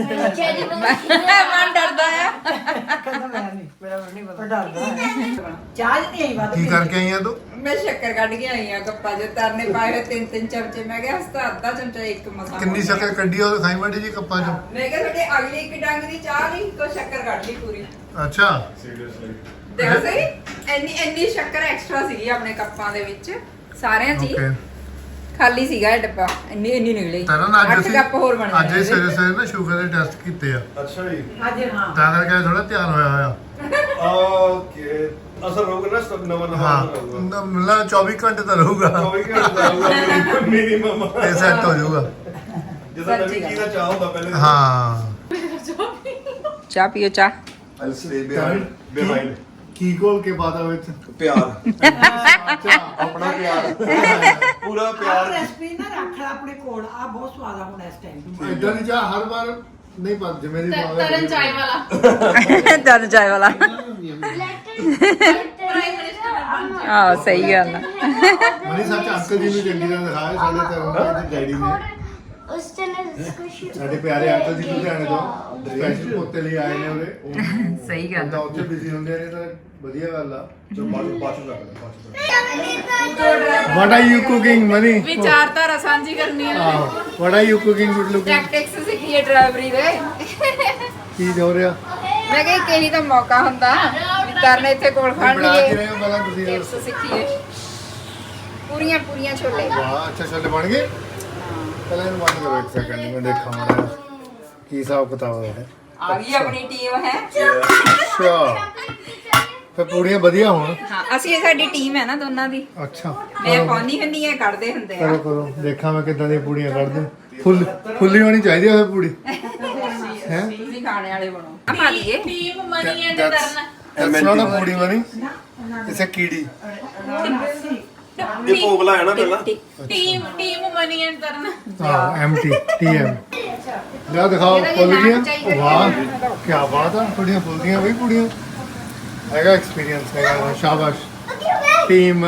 Speaker 3: ਮਨ ਡਰਦਾ ਆ
Speaker 1: ਕਹਿੰਦਾ ਮੈਂ ਨਹੀਂ ਮੇਰਾ ਨਹੀਂ ਪਤਾ ਡਰਦਾ ਚਾਹ ਨਹੀਂ ਆਈ ਬਾਤ
Speaker 2: ਕੀ ਕਰਕੇ ਆਈਆਂ ਤੂੰ
Speaker 3: ਮੈਂ ਸ਼ੱਕਰ ਕੱਢ ਕੇ ਆਈ ਆ ਗੱਪਾ ਜੇ ਤਰਨੇ ਪਾਏ ਹੋਏ 3-3 ਚਮਚੇ ਮੈਂ ਕਿਹਾ ਹਸਤਾ ਅੱਧਾ ਚਮਚਾ ਇੱਕ ਮਸਾ
Speaker 2: ਕਿੰਨੀ ਸ਼ੱਕਰ ਕੱਢੀ ਉਹ ਖਾਈ ਮਾੜੀ ਜੀ ਕੱਪਾਂ ਚੋਂ
Speaker 3: ਮੈਂ ਕਿਹਾ ਤੁਹਾਡੇ ਅਗਲੀ ਇੱਕ ਡੰਗ ਦੀ ਚਾਹ ਲਈ ਕੋ ਸ਼ੱਕਰ ਕੱਢ ਲਈ ਪੂਰੀ
Speaker 2: ਅੱਛਾ
Speaker 3: ਦੇਖੋ ਸਹੀ ਇੰਨੀ ਸ਼ੱਕਰ ਐਕਸਟਰਾ ਸੀਗੀ ਆਪਣੇ ਕੱਪਾਂ ਦੇ ਵਿੱਚ ਸਾਰਿਆਂ 'ਚ ਹੀ
Speaker 2: ਓਕੇ
Speaker 3: ਖਾਲੀ ਸੀਗਾ ਇਹ ਡੱਬਾ ਇੰਨੀ ਨਿਕਲੀ
Speaker 2: ਤਾਂ ਨਾ ਅੱਜ
Speaker 3: 8
Speaker 2: ਅਸੀਂ
Speaker 3: ਕੱਪ ਹੋਰ ਬਣ
Speaker 2: ਅੱਜ
Speaker 3: ਗਏ
Speaker 2: ਹੀ ਸਵੇਰੇ ਸਵੇਰੇ ਨਾ ਸ਼ੂਗਰ ਦੇ ਟੈਸਟ ਕੀਤੇ ਆ
Speaker 6: ਅੱਛਾ ਜੀ
Speaker 1: ਅੱਜ ਹਾਂ
Speaker 2: ਤਾਂ ਕਰਕੇ ਥੋੜਾ ਧਿਆਨ ਹੋਇਆ ਹੋਇਆ
Speaker 6: ਓਕੇ ਅਸਰ ਹੋਊਗਾ ਨਾ ਸਭ ਨਵਾਂ
Speaker 2: ਹਾਂ
Speaker 6: ਹੋਊਗਾ
Speaker 2: ਮਤਲਬ 24 ਘੰਟੇ ਤਾਂ ਰਹੂਗਾ
Speaker 6: 24 ਘੰਟੇ ਦਾ ਹੋਊਗਾ ਮਿਨੀਮਮ
Speaker 2: ਤੇ ਸੈੱਟ ਹੋ ਜਾਊਗਾ
Speaker 6: ਜਦੋਂ ਨਵੀਂ ਚੀਜ਼ ਦਾ ਚਾਹ ਹੁੰਦਾ ਪਹਿਲੇ
Speaker 2: ਹਾਂ
Speaker 3: ਚਾਹ ਪੀਓ ਚਾਹ
Speaker 6: I'll stay behind.
Speaker 2: ਕੀ ਕੋਲ ਕੇ ਬਾਦਾ ਵਿੱਚ
Speaker 6: ਪਿਆਰ
Speaker 2: ਅੱਛਾ
Speaker 6: ਆਪਣਾ ਪਿਆਰ ਪੂਰਾ
Speaker 1: ਆਹ
Speaker 6: ਪਿਆਰ
Speaker 1: ਰੈਸਪੀ ਨਾ ਰੱਖ ਲੈ ਆਪਣੇ ਕੋਲ ਆ ਬਹੁਤ ਸਵਾਦ ਆ ਹੁਣ ਇਸ ਟਾਈਮ
Speaker 2: ਇਦਾਂ ਦੀ ਚਾਹ ਹਰ ਵਾਰ ਨਹੀਂ ਪਾ ਜਿਵੇਂ ਦੀ
Speaker 7: ਤਰਨ ਚਾय ਵਾਲਾ
Speaker 3: ਤਰਨ ਚਾय ਵਾਲਾ ਆਹ ਸਹੀ ਗੱਲ ਆ
Speaker 2: ਮਨੀ ਸੱਚ ਅੰਕਲ ਜੀ ਨੂੰ ਚੰਗੀ ਤਰ੍ਹਾਂ ਦਿਖਾਇਆ ਸਾਡੇ ਤਰਨ ਦੇ ਡੈਡੀ ਨੇ
Speaker 5: उस चैनल को
Speaker 2: ਸਾਡੇ ਪਿਆਰੇ ਅੰਕਲ ਜੀ ਲੁਧਿਆਣੇ ਤੋਂ ਸਪੈਸ਼ਲ ਪੋਤੇ ਲਈ ਆਏ ਨੇ ਉਰੇ
Speaker 3: ਸਹੀ ਗੱਲ
Speaker 2: ਤਾਂ ਉੱਥੇ ਬਿਜ਼ੀ ਹੁੰਦੇ ਨੇ ਤਾਂ ਵਧੀਆ ਗੱਲ ਆ
Speaker 6: ਜੋ ਬਾਅਦ ਚ
Speaker 2: what are you cooking Mani
Speaker 7: ਵਿਚਾਰਧਾਰਾ ਸਾਂਝੀ ਕਰਨੀ ਹੈ
Speaker 2: what are you cooking good looking
Speaker 3: tactics ਸਿੱਖੀਏ ਡਰਾਈਵਰੀ ਦੇ
Speaker 2: ਕੀ ਹੋ ਰਿਹਾ
Speaker 3: ਮੈਂ ਕਿਹਾ ਕਿਹੀ ਤਾਂ ਮੌਕਾ ਹੁੰਦਾ ਵੀ ਤਰਨ ਇੱਥੇ ਕੋਲ ਖੜ
Speaker 2: ਬਣਾ ਕੇ
Speaker 3: ਲਈਏ
Speaker 2: ਰਹੇ ਹੋ ਪਹਿਲਾਂ ਤੁਸੀਂ
Speaker 3: ਟਿਪਸ ਸਿੱਖੀਏ ਪੂਰੀਆਂ ਛੋਲੇ
Speaker 2: ਵਾਹ ਅੱਛਾ ਛੋਲੇ ਬਣ ਗਏ ਪਹਿਲਾਂ ਇਹਨੂੰ ਬੰਦ ਕਰੋ ਇੱਕ ਸੈਕਿੰਡ ਮੈਂ ਦੇਖਾਂ ਮਾੜਾ ਜਿਹਾ। ਕੀ ਹਿਸਾਬ ਕਿਤਾਬ ਹੈ
Speaker 3: ਆ ਗਈ ਆਪਣੀ ਟੀਮ ਹੈ
Speaker 2: ਅੱਛਾ ਤੇ ਪੂੜੀਆਂ ਵਧੀਆ ਹੋਣ
Speaker 3: ਹਾਂ ਅਸੀਂ ਇਹ ਸਾਡੀ ਟੀਮ ਹੈ ਨਾ ਦੋਨਾਂ ਦੀ
Speaker 2: ਅੱਛਾ
Speaker 3: ਮੈਂ ਪਾਉਣੀ ਹੁੰਦੀ ਹੈ ਕੱਢਦੇ ਹੁੰਦੇ ਆ
Speaker 2: ਕਰੋ ਕਰੋ ਦੇਖਾਂ ਮੈਂ ਕਿੱਦਾਂ ਦੀਆਂ ਪੂੜੀਆਂ ਕੱਢਦੇ ਫੁੱਲੀ ਹੋਣੀ ਚਾਹੀਦੀ ਹੈ ਪੂੜੀ ਹੈ
Speaker 3: ਤੁਸੀਂ ਖਾਣੇ ਵਾਲੇ ਬਣੋ ਆ ਪਾ ਦਈਏ
Speaker 7: team Mani and Taran
Speaker 2: That's not a ਪੂੜੀ ਬਣੀ ਇਸੇ ਕੀੜੀ
Speaker 6: ਇਹ ਭੋਗ ਲਾਇਆ ਨਾ ਪਹਿਲਾਂ
Speaker 7: ਟੀਮ ਮਨੀ ਐਂਡ ਤਰਨ
Speaker 2: ਹਾਂ ਐਮਟੀ ਟੀਐਮ ਲੈ ਦਿਖਾਓ ਫੁੱਲ ਗਈਆਂ ਵਾਹ ਕੀ ਬਾਤ ਆ ਪੂੜੀਆਂ ਫੁੱਲ ਗਈਆਂ ਬਈ ਪੂੜੀਆਂ ਹੈਗਾ ਐਕਸਪੀਰੀਅੰਸ ਹੈਗਾ ਸ਼ਾਬਾਸ਼ ਟੀਮ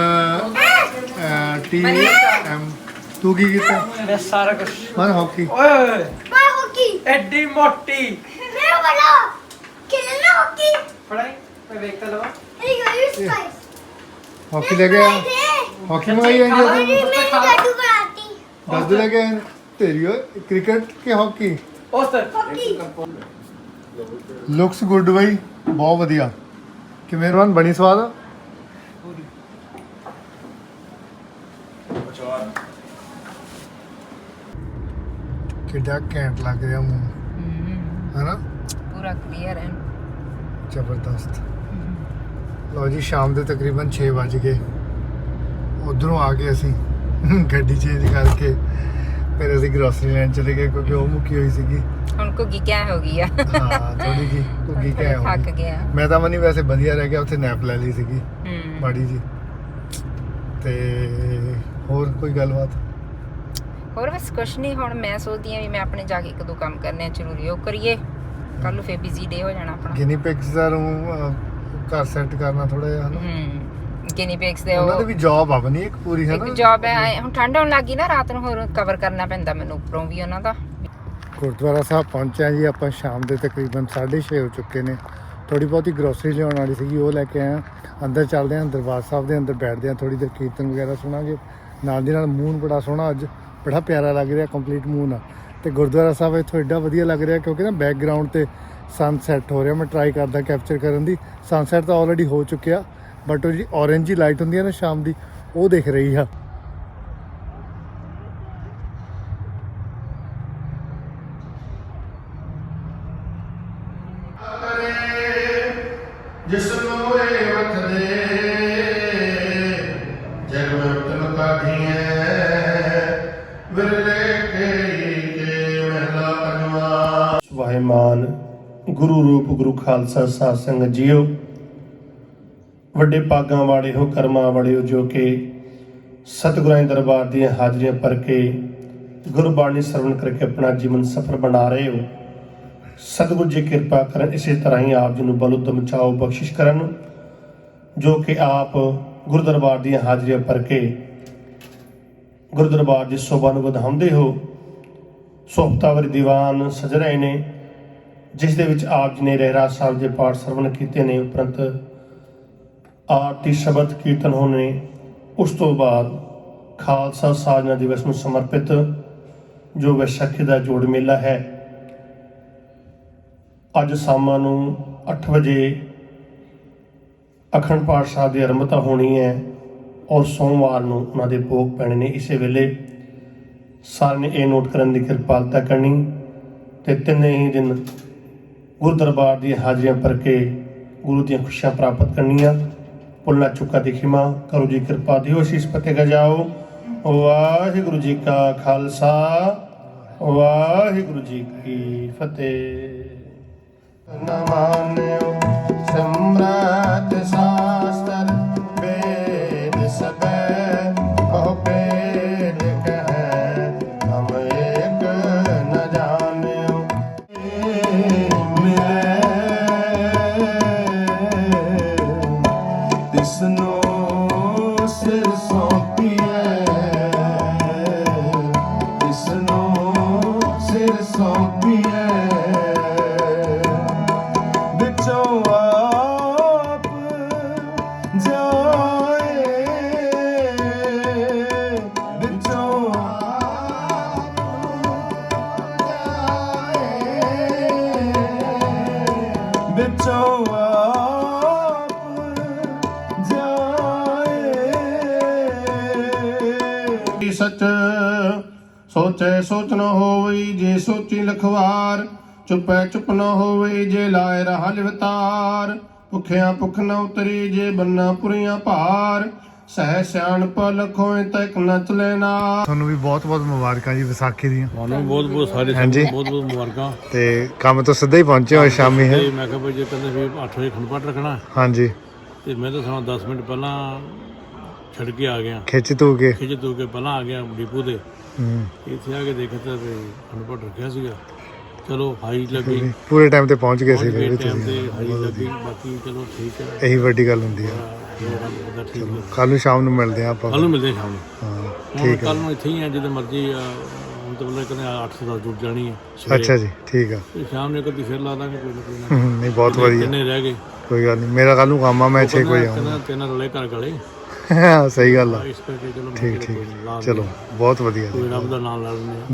Speaker 2: ਟੀਐਮ ਤੂੰ ਕੀ ਕੀਤਾ
Speaker 1: ਮੈਂ ਸਾਰਾ ਕੁਝ
Speaker 2: ਮਨ ਹਾਕੀ
Speaker 1: ਓਏ ਓਏ
Speaker 5: मैं हॉकी
Speaker 1: ਐਡੀ ਮੋਟੀ
Speaker 5: मैं वाला खेलना हॉकी
Speaker 1: ਪੜਾਈ ਮੈਂ ਵੇਖ ਤਾ ਲਵਾ
Speaker 5: अरे यू स्पाइस
Speaker 2: ਹਾਕੀ ਲੈ ਗਿਆ ਹਾਕੀ ਮੰਗਾਈ ਆਈ
Speaker 5: अरे
Speaker 2: ਹੈ
Speaker 5: मैं जादू कराती
Speaker 2: ਦੱਸ ਲੈ ਕੇ ਆਏ ਤੇਰੀ ਓਏ ਕ੍ਰਿਕਟ ਕਿ ਹਾਕੀ
Speaker 1: ਉਸ ਤਰ
Speaker 5: हॉकी
Speaker 2: ਲੁਕਸ ਗੁੱਡ ਬਈ ਬਹੁਤ ਵਧੀਆ ਕਿਵੇਂ ਰਵਨ ਬਣੀ ਸਵਾਦ ਕਿੱਡਾ ਘੈਂਟ ਲੱਗ ਰਿਹਾ ਮੂੰਹ ਹੈਨਾ
Speaker 3: ਪੂਰਾ ਕਲੀਅਰ ਹੈ
Speaker 2: ਜ਼ਬਰਦਸਤ ਲਓ ਜੀ ਸ਼ਾਮ ਦੇ ਤਕਰੀਬਨ 6 ਵਜ ਗਏ ਉਧਰੋਂ ਆ ਕੇ ਅਸੀਂ ਗੱਡੀ ਚੇਂਜ ਕਰਕੇ ਫਿਰ ਅਸੀਂ ਗਰੋਸਰੀ ਲੈਣ ਚਲੇ ਗਏ ਕਿਉਂਕਿ ਉਹ ਮੁੱਕੀ ਹੋਈ ਸੀਗੀ
Speaker 3: ਹੁਣ ਘੁੱਗੀ ਕਿਆ ਹੋ ਗਈ ਆ
Speaker 2: ਹਾਂ ਥੋੜੀ ਜੀ ਕੁੱਗੀ ਕਹਿ
Speaker 3: ਥੱਕ ਗਿਆ
Speaker 2: ਮੈਂ ਤਾਂ ਮਨੀ ਵੈਸੇ ਵਧੀਆ ਰਹਿ ਗਿਆ ਉੱਥੇ ਨੈਪ ਲੈ ਲਈ ਸੀਗੀ
Speaker 3: ਹੂੰ
Speaker 2: ਮਾੜੀ ਜੀ ਤੇ ਹੋਰ ਕੋਈ ਗੱਲਬਾਤ
Speaker 3: ਹੋਰ ਬਸ ਕੁਛ ਨਹੀਂ ਹੁਣ ਮੈਂ ਸੋਚਦੀ ਆ ਵੀ ਮੈਂ ਆਪਣੇ ਜਾ ਕੇ ਇੱਕ ਦੋ ਕੰਮ ਕਰਨੇ ਆ ਜ਼ਰੂਰੀ ਉਹ ਕਰੀਏ ਕੱਲ ਨੂੰ ਫੇਰ ਬਿਜ਼ੀ ਡੇ ਹੋ ਜਾਣਾ ਆਪਣਾ
Speaker 2: ਗਿਨੀ ਪਿਕਸ ਦਾ ਨੂੰ ਘਰ ਸੈੱਟ ਕਰਨਾ ਥੋੜਾ ਜਿਹਾ ਹਨਾ
Speaker 3: ਗਿਨੀ ਪਿਕਸ ਦੇ
Speaker 2: ਉਹਨਾਂ
Speaker 3: ਉਹ
Speaker 2: ਦੀ ਵੀ ਜੌਬ ਆ ਬਣੀ ਇੱਕ ਪੂਰੀ ਹੈ
Speaker 3: ਇੱਕ
Speaker 2: ਨਾ
Speaker 3: ਜੌਬ ਹੈ ਹੁਣ ਠੰਡ ਹੋਣ ਲੱਗੀ ਨਾ ਰਾਤ ਨੂੰ ਹੋਰ ਕਵਰ ਕਰਨਾ ਪੈਂਦਾ ਮੈਨੂੰ ਉੱਪਰੋਂ ਵੀ ਉਹਨਾਂ ਦਾ
Speaker 2: ਗੁਰਦੁਆਰਾ ਸਾਹਿਬ ਪਹੁੰਚਿਆ ਜੀ ਆਪਾਂ ਸ਼ਾਮ ਦੇ ਤਕਰੀਬਨ 6:30 ਹੋ ਚੁੱਕੇ ਨੇ ਥੋੜੀ ਬਹੁਤੀ ਗਰੋਸਰੀ ਲਿਆਉਣ ਵਾਲੀ ਸੀਗੀ ਉਹ ਲੈ ਕੇ ਆਇਆ ਅੰਦਰ ਚੱਲਦੇ ਹਾਂ ਦਰਬਾਰ ਸਾਹਿਬ ਦੇ ਅੰਦਰ ਬੈਠਦੇ ਹਾਂ ਥੋੜੀ ਦੇਰ ਕੀਰਤਨ ਵਗੈਰਾ ਸੁਣਾਂਗੇ ਨਾਲ ਦੀ ਨਾਲ ਮੂਨ ਬੜਾ ਸੋਹਣਾ ਅੱਜ ਬੜਾ ਪਿਆਰਾ ਲੱਗ ਰਿਹਾ ਕੰਪਲੀਟ ਮੂਨ ਆ ਤੇ ਗੁਰਦੁਆਰਾ ਸਾਹਿਬ ਇੱਥੋਂ ਐਡਾ ਵਧੀਆ ਲੱਗ ਰਿਹਾ ਕਿਉਂਕਿ ਨਾ ਬੈਕਗ੍ਰਾਉਂਡ ਤੇ ਸਨਸੈਟ ਹੋ ਰਿਹਾ। ਮੈਂ ਟਰਾਈ ਕਰਦਾ ਕੈਪਚਰ ਕਰਨ ਦੀ। ਸਨਸੈਟ ਤਾਂ ਆਲਰੇਡੀ ਹੋ ਚੁੱਕਿਆ ਬਟ ਉਹ ਜਿਹੜੀ ਔਰੇਂਜ ਜੀ ਲਾਈਟ ਹੁੰਦੀ ਹੈ ਨਾ ਸ਼ਾਮ ਦੀ, ਉਹ ਦਿਖ ਰਹੀ ਆ। ਜਿਸ ਨੂੰ ਇਹ ਵਖਦੇ ਜਗ ਉਤਮ ਕਾਢੀਐ ਵਿਰਲੇ ਕੇ ਮਹਿਲਾ ਪੰਜਵਾ।
Speaker 6: ਵਾਹਿਮਾਨ ਗੁਰੂ ਰੂਪ ਗੁਰੂ ਖਾਲਸਾ ਸਾਧ ਸੰਗਤ ਜੀਓ, ਵੱਡੇ ਭਾਗਾਂ ਵਾਲੇ ਹੋ, ਕਰਮਾਂ ਵਾਲੇ ਹੋ ਜੋ ਕਿ ਸਤਿਗੁਰਾਂ ਦੇ ਦਰਬਾਰ ਦੀਆਂ ਹਾਜ਼ਰੀਆਂ ਭਰ ਕੇ ਗੁਰਬਾਣੀ ਸਰਵਣ ਕਰਕੇ ਆਪਣਾ ਜੀਵਨ ਸਫਲ ਬਣਾ ਰਹੇ ਹੋ। ਸਤਿਗੁਰੂ ਜੀ ਕਿਰਪਾ ਕਰਨ, ਇਸੇ ਤਰ੍ਹਾਂ ਹੀ ਆਪ ਜੀ ਨੂੰ ਬਲ ਉਦਮ ਚਾਓ ਬਖਸ਼ਿਸ਼ ਕਰਨ, ਜੋ ਕਿ ਆਪ ਗੁਰੂ ਦਰਬਾਰ ਦੀਆਂ ਹਾਜ਼ਰੀਆਂ ਭਰ ਕੇ ਗੁਰੂ ਦਰਬਾਰ ਦੀ ਸ਼ੋਭਾ ਨੂੰ ਵਧਾਉਂਦੇ ਹੋ। ਸੋਹਤਾਵਰੀ ਦੀਵਾਨ ਸਜ ਰਹੇ ਨੇ ਜਿਸ ਦੇ ਵਿੱਚ ਆਪ ਜੀ ਨੇ ਰਹਿਰਾਸ ਸਾਹਿਬ ਦੇ ਪਾਠ ਸਰਵਣ ਕੀਤੇ ਨੇ, ਉਪਰੰਤ ਆਰਤੀ ਸ਼ਬਦ ਕੀਰਤਨ ਹੋਣੇ। ਉਸ ਤੋਂ ਬਾਅਦ ਖਾਲਸਾ ਸਾਜਨਾ ਦਿਵਸ ਨੂੰ ਸਮਰਪਿਤ ਜੋ ਵਿਸਾਖੀ ਦਾ ਜੋੜ ਮੇਲਾ ਹੈ, ਅੱਜ ਸ਼ਾਮਾਂ ਨੂੰ 8 ਵਜੇ ਅਖੰਡ ਪਾਠ ਸਾਹਿਬ ਦੀ ਆਰੰਭਤਾ ਹੋਣੀ ਹੈ ਔਰ ਸੋਮਵਾਰ ਨੂੰ ਉਹਨਾਂ ਦੇ ਭੋਗ ਪੈਣੇ ਨੇ। ਇਸੇ ਵੇਲੇ ਸਾਰਿਆਂ ਨੇ ਇਹ ਨੋਟ ਕਰਨ ਦੀ ਕਿਰਪਾਲਤਾ ਕਰਨੀ ਤੇ ਤਿੰਨੇ ਹੀ ਦਿਨ ਗੁਰੂ ਦਰਬਾਰ ਦੀਆਂ ਹਾਜ਼ਰੀਆਂ ਭਰ ਕੇ ਗੁਰੂ ਦੀਆਂ ਖੁਸ਼ੀਆਂ ਪ੍ਰਾਪਤ ਕਰਨੀਆਂ। ਭੁੱਲਣਾ ਚੁੱਕਾ ਦੀ ਖਿਮਾ ਕਰੋ ਜੀ, ਕਿਰਪਾ ਦਿਓ, ਅਸੀਸ ਫਤਿਹ ਗਜਾਓ। ਵਾਹਿਗੁਰੂ ਜੀ ਕਾ ਖਾਲਸਾ, ਵਾਹਿਗੁਰੂ ਜੀ ਕੀ ਫਤਿਹ। ਨ ਮਾਨਿਓ ਸਮਰਾਟ ਸ਼ਾਸਤਰ ਵੇਦ ਸਭੈ ਕਹੁ ਭੇਦ ਕਹੈ, ਹਮ ਏਕ ਨ ਜਾਣਿਓ ਮਿਲੈ ਤਿਸਨੋ ਸਿਰ ਸੌਂਪੀਐ, ਤਿਸਨੋ ਸਿਰ ਸੌਂਪੀਐ, ਵਿੱਚੋਂ ਆਪ ਜਾਏ, ਵਿੱਚੋਂ ਆਪ ਜਾਏ, ਵਿੱਚੋਂ ਆਪ ਜਾਏ। ਸਚ ਸੋਚੈ ਸੋਚ ਨ ਹੋਵਈ, ਜੇ ਸੋਚੀ ਲਖਵਾਰ, ਚੁਪੈ ਚੁਪ ਨ ਹੋਵਈ, ਜੇ ਲਾਏ ਰਹਾ ਲਿਵਤਾਰ, ਭੁਖਿਆ ਭੁਖ ਨ ਉਤਰੀ, ਜੇ ਬੰਨਾ ਪੁਰੀਆਂ ਭਾਰ, ਸਹਿ ਸਿਆਣਪ ਲਖੋਏ ਤੈਕ ਨ ਚਲੇ ਨਾ।
Speaker 2: ਤੁਹਾਨੂੰ ਵੀ ਬਹੁਤ ਬਹੁਤ ਮੁਬਾਰਕਾਂ ਜੀ ਵਿਸਾਖੀ ਦੀਆਂ।
Speaker 8: ਤੁਹਾਨੂੰ ਬਹੁਤ ਬਹੁਤ ਸਾਰੇ
Speaker 2: ਹਾਂਜੀ।
Speaker 8: ਬਹੁਤ ਬਹੁਤ ਮੁਬਾਰਕਾਂ।
Speaker 2: ਤੇ ਕੰਮ ਤੋਂ ਸਿੱਧਾ ਹੀ ਪਹੁੰਚੇ ਹੋਏ ਸ਼ਾਮੀ ਹੈ।
Speaker 8: ਤੇ ਮੈਂ ਕਿਹਾ ਭਾਈ ਜੇ ਕਹਿੰਦੇ ਵੀ 8 ਵਜੇ ਅਖੰਡ ਪਾਠ ਰੱਖਣਾ,
Speaker 2: ਹਾਂਜੀ,
Speaker 8: ਤੇ ਮੈਂ ਤਾਂ ਸਮਾਂ 10 ਮਿੰਟ ਪਹਿਲਾਂ ਛੱਡ ਕੇ ਆ ਗਿਆ,
Speaker 2: ਖਿੱਚ ਤੂ ਕੇ।
Speaker 8: ਖਿੱਚ ਤੂ ਕੇ ਪਹਿਲਾਂ ਆ ਗਿਆ ਡਿਪੂ ਤੇ। ਇੱਥੇ ਆ ਕੇ ਦੇਖਿਆ ਤਾਂ ਵੀ ਅਖੰਡ ਪਾਠ ਰੱਖਿਆ ਸੀਗਾ। ਚਲੋ ਹਾਈ ਲੱਗੀ,
Speaker 2: ਪੂਰੇ ਟਾਈਮ ਤੇ ਪਹੁੰਚ ਗਏ ਸੀ ਫਿਰ ਵੀ
Speaker 8: ਟਾਈਮ ਤੇ
Speaker 2: ਤੁਸੀਂ।
Speaker 8: ਹਾਈ ਲੱਗੀ, ਬਾਕੀ ਚਲੋ ਠੀਕ ਹੈ।
Speaker 2: ਇਹੀ ਵੱਡੀ ਗੱਲ ਹੁੰਦੀ ਹੈ।
Speaker 8: ਠੀਕ ਹੈ,
Speaker 2: ਕੱਲ ਨੂੰ ਸ਼ਾਮ ਨੂੰ ਮਿਲਦੇ ਆ ਆਪਾਂ।
Speaker 8: ਕੱਲ ਨੂੰ ਮਿਲਦੇ ਸ਼ਾਮ ਨੂੰ।
Speaker 2: ਹਾਂ
Speaker 8: ਠੀਕ
Speaker 2: ਠੀਕ ਹੈ।
Speaker 8: ਕੱਲ ਨੂੰ ਇੱਥੇ ਹੀ ਆ, ਜਦੋਂ ਮਰਜ਼ੀ ਆ। ਹੁਣ ਤਾਂ ਬੋਲੇ ਕਹਿੰਦੇ 8 ਤੋਂ 10 ਜੁੜ ਜਾਣੀ ਹੈ ਸਵੇਰੇ।
Speaker 2: ਅੱਛਾ ਜੀ, ਠੀਕ ਆ।
Speaker 8: ਤੇ ਸ਼ਾਮ ਨੂੰ ਕਦੀ ਫਿਰ ਲਾ ਦਾਂਗੇ ਕੋਈ ਨਾ ਕੋਈ ਨਾ।
Speaker 2: ਨਹੀਂ ਬਹੁਤ ਵਧੀਆ,
Speaker 8: ਕਿੰਨੇ ਰਹਿ ਗਏ?
Speaker 2: ਕੋਈ ਗੱਲ ਨਹੀਂ। ਮੇਰਾ ਕੱਲ ਨੂੰ ਕੰਮ ਆ, ਮੈਂ 6 ਵਜੇ ਆਉਂਗਾ।
Speaker 8: ਤਿੰਨ ਰਲੇ ਘਰ ਗਲੇ,
Speaker 2: ਸਹੀ ਗੱਲ ਆ।
Speaker 8: ਇਸ ਕਰਕੇ ਚਲੋ
Speaker 2: ਠੀਕ ਠੀਕ, ਚਲੋ ਬਹੁਤ ਵਧੀਆ।
Speaker 8: ਕੋਈ ਰੱਬ ਦਾ ਨਾਮ ਲੈ ਲੈਂਦੇ ਆ।